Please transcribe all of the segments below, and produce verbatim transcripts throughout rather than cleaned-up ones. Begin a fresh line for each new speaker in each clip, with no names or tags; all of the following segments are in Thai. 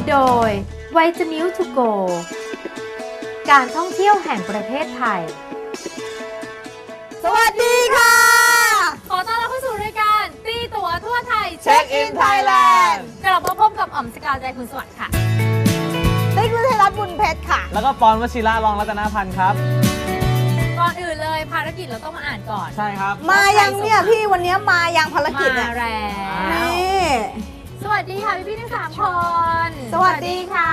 โดยไวจามิลทูโกการท่องเที่ยวแห่งประเทศไทย
สวัสดีค่ะ
ขอต้อนรับเข้าสู่รายการตีตั๋วทั่วไทย
เช็คอินไทยแลนด์
กลับมาพบกับอ๋อมสกาวใจคุณสวัสดิ์ค่ะ
ติ๊กฤทัยรัตน์บุญเพชรค่ะ
แล้วก็ปอนวชิระรองรัตนพันธ์ครับ
ก่อนอื่นเลยภารกิจเราต้องมาอ่านก่อน
ใช่ครับ
มายังเนี่ยพี่วันนี้มายังภารกิจเนี่ย
มาแล้ว
นี่
สวัสดีค่ะพี่พี่ทั้งสามคน
สวัสดีค่ะ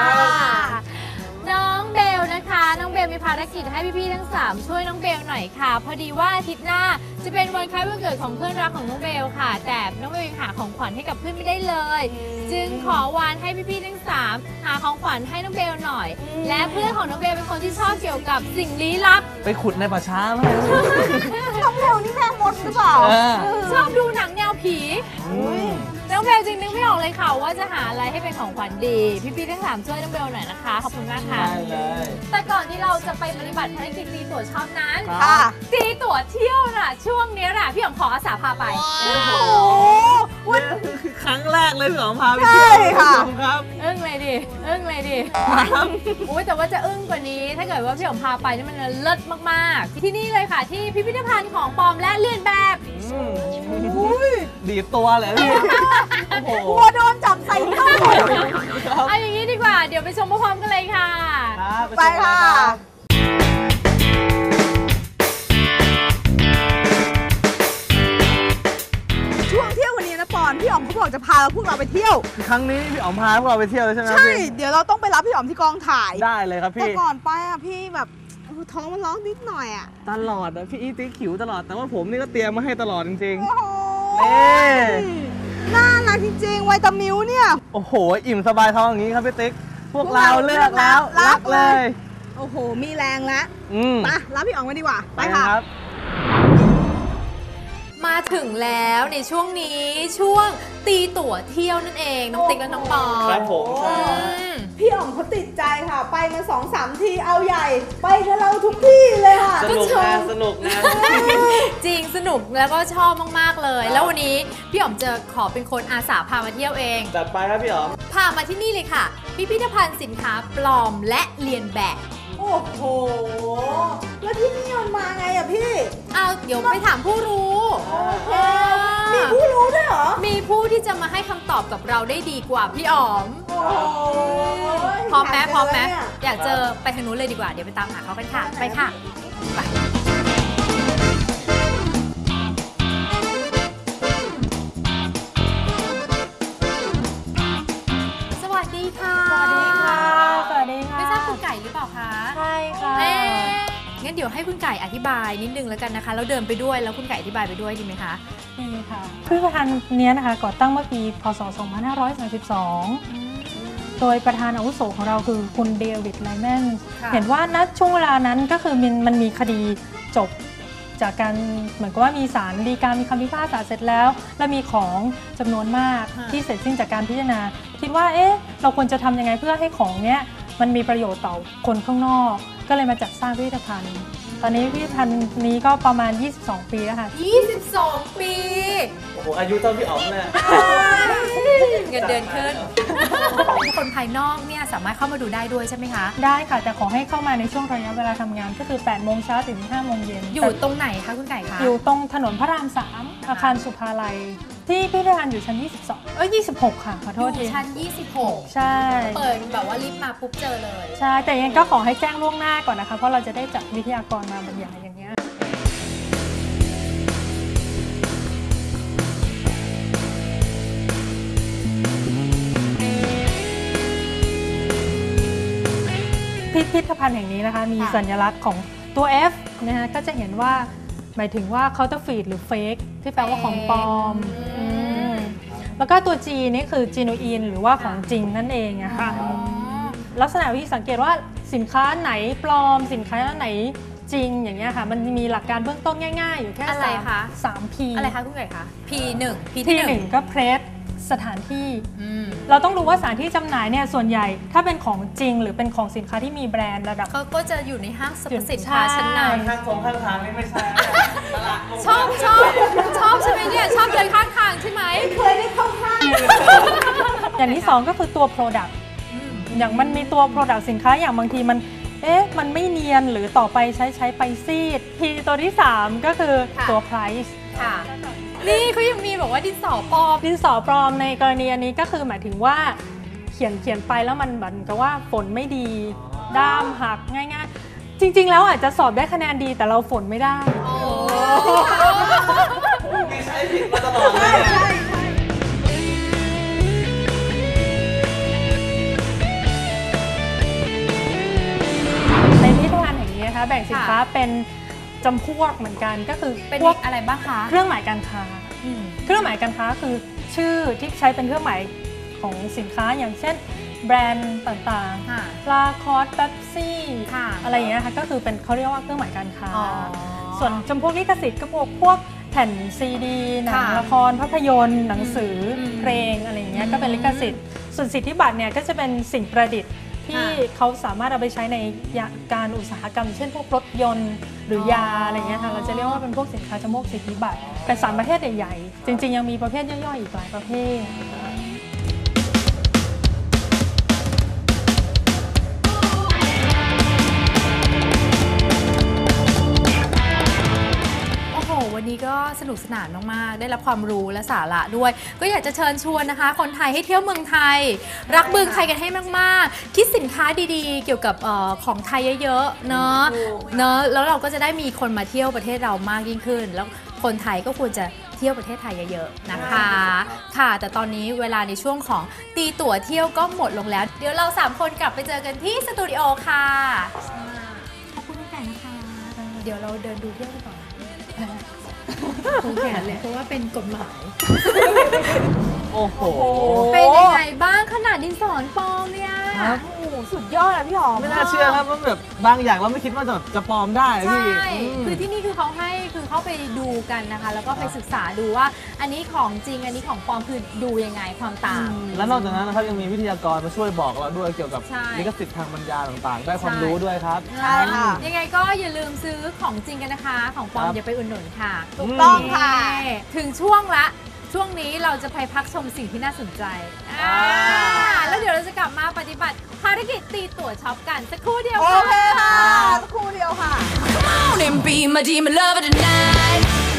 น้องเบลนะคะน้องเบลมีภารกิจให้พี่ๆทั้งสามช่วยน้องเบลหน่อยค่ะพอดีว่าอาทิตย์หน้าจะเป็นวันคล้ายวันเกิดของเพื่อนรักของน้องเบลค่ะแต่น้องเบลยังหาของขวัญให้กับเพื่อนไม่ได้เลยจึงขอวานให้พี่ๆทั้งสามหาของขวัญให้น้องเบลหน่อยและเพื่อนของน้องเบลเป็นคนที่ชอบเกี่ยวกับสิ่งลี้ลับ
ไปขุดในป่าช้าไหม
น้องเบลนี่แม่มดหรือเปล่า
ชอบดูหนังแนวผีน้องเบลจริงนึกไม่ออกเลยค่ะว่าจะหาอะไรให้เป็นของขวัญดีพี่ๆทั้งสามช่วยน้องเบลหน่อยนะคะขอบคุณมากค่ะ
ได้เลย
แต่ก่อนที่เราจะไปปฏิบัติภารกิจตีตั๋วชอบนั้นตีตั๋วเที่ยวน่ะช่วงนี้น่ะพี่อ๋อมขออาสาพาไป
โอ้โห
วันคือครั้งแรกเลยพี่อ๋อมพาไปเที่ยวค่ะครับ
อึ้งเลยดิอึ้งเลยดิโอ้ยแต่ว่าจะอึ้งกว่านี้ถ้าเกิดว่าพี่อ๋อมพาไปนี่มันเลิศมากๆที่นี่เลยค่ะที่พิพิธภัณฑ์ของปลอมและเลียนแบบ
ดีตัวเลยพี่
กลัวโดนจับใส่ตู้
เอาอย่างนี้ดีกว่าเดี๋ยวไปชมพร้อมกันเลยค่ะ
ไปค่ะช่วงเที่ยววันนี้นะปอนพี่อ๋อมเขาบอกจะพาพวกเราไปเที่ยว
ครั้งนี้พี่อ๋อมพาพวกเราไปเที่ยวใช่ไหม
ใช่เดี๋ยวเราต้องไปรับพี่อ๋อมที่กองถ่าย
ได้เลยครับพี่
แต่ก่อนไปอ่ะพี่แบบท้องมันร้องนิดหน่อยอ่ะ
ตลอดอ่ะพี่อีติ๊กขิวตลอดแต่ว่าผมนี่ก็เตรียมมาให้ตลอดจริง
ๆโอ้โหน่ารักจริงๆไวตามิลเนี่ย
โอ้โหอิ่มสบายท้องอย่างนี้ครับพี่ติ๊กพวกเราเลือกแล้วรักเลย
โอ้โหมีแรงแล้วไปรับพี่อ๋องไปดีกว่าไปค่ะ
มาถึงแล้วในช่วงนี้ช่วงตีตั๋วเที่ยวนั่นเองน้องติ๊กและน้องปอ
ครับผม
พี่อ๋องเขาติดใจค่ะไปมาสองสามทีเอาใหญ่ไปกับเราทุกที่เลยค่ะ
สนุกงานสนุกงาน
จริงสนุกแล้วก็ชอบมากๆเลยแล้ววันนี้พี่อ๋อมจะขอเป็นคนอาสาพามาเที่ยวเอง
จัดไปครับพี่อ๋อม
พามาที่นี่เลยค่ะพิพิธภัณฑ์สินค้าปลอมและเลียนแบบ
โอ้โหแล้วที่นี่มันมาไงอะพี่
เอาเดี๋ยวไปถามผู้รู้
มีผู้รู้ด้วยเหรอ
มีผู้ที่จะมาให้คำตอบกับเราได้ดีกว่าพี่อ๋อมพร้อมไหมพร้อมไหมอยากเจอไปทางนู้นเลยดีกว่าเดี๋ยวไปตามหาเขากันค่ะไปค่ะไปสวัสดีค่ะ
สวัสดีค่ะสวัสดีค่ะ
ไม่ทราบคุณไก่หรือเปล่าคะ
ใช่ค่ะ
งั้นเดี๋ยวให้คุณไก่อธิบายนิดนึงแล้วกันนะคะแล้วเดินไปด้วยแล้วคุณไก่อธิบายไปด้วยดีไหมคะ
ดีค่ะพิพิธภัณฑ์นี้นะคะก่อตั้งเมื่อปีพศสองพันห้าร้อยสามสิบสองโดยประธานอาวุโสของเราคือคุณเดวิดไลแมนเห็นว่าณช่วงเวลานั้นก็คือมันมันมีคดีจบจากการเหมือนกับว่ามีศาลฎีกามีคำพิพากษาเสร็จแล้วและมีของจำนวนมากที่เสร็จสิ้นจากการพิจารณาคิดว่าเอ๊ะเราควรจะทำยังไงเพื่อให้ของเนี้ยมันมีประโยชน์ต่อคนข้างนอกก็เลยมาจัดสร้างพิพิธภัณฑ์ตอนนี้พิพิธภัณฑ์นี้ก็ประมาณยี่สิบสองปีแล้วค่ะ
ยี่สิบสองปี
โอ้โหอายุเท่าพี่อ๋อมเนี่ย
เงินเดือนขึ้นคนภายนอกเนี่ยสามารถเข้ามาดูได้ด้วยใช่ไหมคะ
ได้ค่ะแต่ขอให้เข้ามาในช่วงระยะเวลาทำงานก็คือแปดโมงเช้าถึงห้าโมงเย็น
อยู่ตรงไหนคะคุณไก่คะ
อยู่ตรงถนนพระรามสามอาคารสุภาลัยที่พิพิธภัณฑ์อยู่ชั้นยี่สิบสองเอ้ยยี่สิบหกค่ะขอโทษที
ชั้นยี่สิบหก
ใช่
เปิดแบบว่าลิฟต์มาปุ๊บเจอเลย
ใช่แต่ยังก็ขอให้แจ้งล่วงหน้าก่อนนะคะเพราะเราจะได้จัดวิทยากรมาบรรยายอย่างเงี้ยพิพิธภัณฑ์แห่งนี้นะคะมีสัญลักษณ์ของตัว F นะคะก็จะเห็นว่าหมายถึงว่า counterfeit หรือ fake ที่แปลว่าของปลอมแล้วก็ตัว G นี่คือ genuine หรือว่าของจริงนั่นเองอะค่ะลักษณะวิธีสังเกตว่าสินค้าไหนปลอมสินค้าไหนจริงอย่างเงี้ยค่ะมันมีหลักการเบื้องต้นง่ายๆอยู่แค่
อะไรคะ
สาม P
อะไรคะคุณไก่คะ P หนึ่ง
P ที่หนึ่งก็ press สถานที่เราต้องรู้ว่าสถานที่จำหน่ายเนี่ยส่วนใหญ่ถ้าเป็นของจริงหรือเป็นของสินค้าที่มีแบรนด์ระดับ
เขาก็จะอยู่ในห้างสรรพสินค้าชั้นน
ำข้างตรงข้างทางนี่ไม่ใช่
ชอบชอบชอบใช่ไหมเนี่ยชอบเดินข้างทางใช่ไหม
เคยได้เข้าห้าง
อย่างที่สองก็คือตัว Product อย่างมันมีตัว Product สินค้าอย่างบางทีมันเอ๊ะมันไม่เนียนหรือต่อไปใช้ใช้ไปซีดทีตัวที่สามก็คือตัว Price
ค่ะนี่เขายังมีบอกว่าดินสอปลอม
ดินสอปลอมในกรณีอันนี้ก็คือหมายถึงว่าเขียนเขียนไปแล้วมันเหมือนกับว่าฝนไม่ดีด้ามหักง่ายๆจริงๆแล้วอาจจะสอบได้คะแนนดีแต่เราฝนไม่ได้
มีใช้ผิดมาตลอดเลย
ในพิพิธภัณฑ์แห่งนี้นะคะแบ่งสินค้าเป็นจำพวกเหมือนกันก็คือ
เป็น
พวก
อะไรบ้างคะ
เครื่องหมายการค้าเครื่องหมายการค้าคือชื่อที่ใช้เป็นเครื่องหมายของสินค้าอย่างเช่นแบรนด์ต่างๆลาคอสเป๊ปซี่อะไรอย่างเงี้ยค่ะก็คือเป็นเขาเรียกว่าเครื่องหมายการค้าส่วนจำพวกลิขสิทธิ์ก็พวกพวกแผ่นซีดีหนังละครภาพยนตร์หนังสือเพลงอะไรอย่างเงี้ยก็เป็นลิขสิทธิ์ส่วนสิทธิบัตรเนี่ยก็จะเป็นสิ่งประดิษฐ์ที่เขาสามารถเอาไปใช้ในการอุตสาหกรรมเช่นพวกรถยนต์หรือยาอะไรเงี้ยค่ะเราจะเรียกว่าเป็นพวกสินค้าจำพวกสิทธิบัตรแต่สามประเภทใหญ่ๆจริงๆยังมีประเภทย่อยๆอีกหลายประเภท
วันนี้ก็สนุกสนานมากๆได้รับความรู้และสาระด้วยก็อยากจะเชิญชวนนะคะคนไทยให้เที่ยวเมืองไทยรักเมืองไทยกันให้มากๆคิดสินค้าดีๆเกี่ยวกับออของไทยเยอะๆเนาะเนาะแล้วเราก็จะได้มีคนมาเที่ยวประเทศเรามากยิ่งขึ้นแล้วคนไทยก็ควรจะเที่ยวประเทศไทยเยอะๆนะคะค่ะแต่ตอนนี้เวลาในช่วงของตีตั๋วเที่ยวก็หมดลงแล้วเดี๋ยวเราสามคนกลับไปเจอกันที่สตูดิโอค่ะขอบคุณทุกท่านนะคะเดี๋ยวเราเดินดูเที่ยวกันต่อคงแขนเลยเพราะว่าเป็นกฎหมาย
โอ้โห
เป็นยังไงบ้างขนาดดินสอปลอมเนี่ย
สุดยอดอะพี่หอม
ไม่น่าเชื่อครับว่าแบบบางอย่างเราไม่คิดว่าจะจะปลอมได้พี่
ใช่คือที่นี่คือเขาให้คือเขาไปดูกันนะคะแล้วก็ไปศึกษาดูว่าอันนี้ของจริงอันนี้ของปลอมคือดูยังไงความต่าง
แล้วนอกจากนั้นนะครับยังมีวิทยากรมาช่วยบอกเราด้วยเกี่ยวกับลิขสิทธิ์ทางบรรยายต่างๆได้ความรู้ด้วยครับ
ใช่ค่ะยังไงก็อย่าลืมซื้อของจริงกันนะคะของปลอมอย่าไปอุดหนุนค่ะ
ถูกต้องค่ะ
ถึงช่วงละช่วงนี้เราจะไปพักชมสิ่งที่น่าสนใจแล้วเดี๋ยวเราจะกลับมาปฏิบัติภารกิจตีตั๋วช็อปกันสักครู่เดียว
โอเคค่ะสักครู่เดียวค่ะ
Come on and be my demon lover tonight